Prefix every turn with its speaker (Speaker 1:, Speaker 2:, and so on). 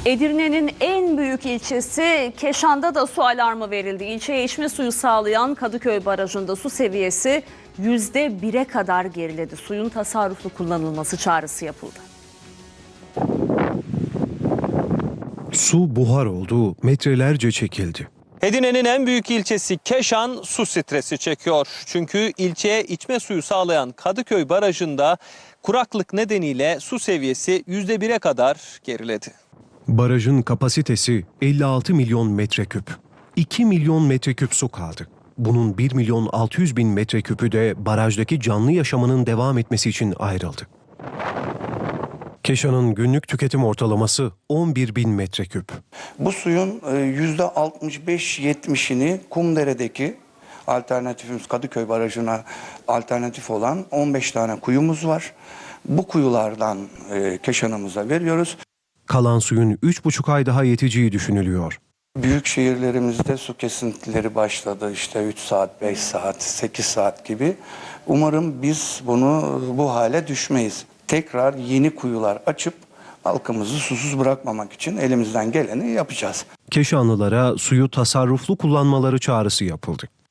Speaker 1: Edirne'nin en büyük ilçesi Keşan'da da su alarmı verildi. İlçeye içme suyu sağlayan Kadıköy Barajı'nda su seviyesi %1'e kadar geriledi. Suyun tasarruflu kullanılması çağrısı yapıldı.
Speaker 2: Su buhar oldu, metrelerce çekildi.
Speaker 3: Edirne'nin en büyük ilçesi Keşan su stresi çekiyor. Çünkü ilçeye içme suyu sağlayan Kadıköy Barajı'nda kuraklık nedeniyle su seviyesi %1'e kadar geriledi.
Speaker 2: Barajın kapasitesi 56 milyon metreküp. 2 milyon metreküp su kaldı. Bunun 1 milyon 600 bin metreküpü de barajdaki canlı yaşamının devam etmesi için ayrıldı. Keşan'ın günlük tüketim ortalaması 11 bin metreküp.
Speaker 4: Bu suyun %65-70'ini Kumdere'deki alternatifimiz Kadıköy Barajı'na alternatif olan 15 tane kuyumuz var. Bu kuyulardan Keşan'ımıza veriyoruz.
Speaker 2: Kalan suyun 3,5 ay daha yeteceği düşünülüyor.
Speaker 4: Büyük şehirlerimizde su kesintileri başladı. İşte 3 saat, 5 saat, 8 saat gibi. Umarım biz bu hale düşmeyiz. Tekrar yeni kuyular açıp halkımızı susuz bırakmamak için elimizden geleni yapacağız.
Speaker 2: Keşanlılara suyu tasarruflu kullanmaları çağrısı yapıldı.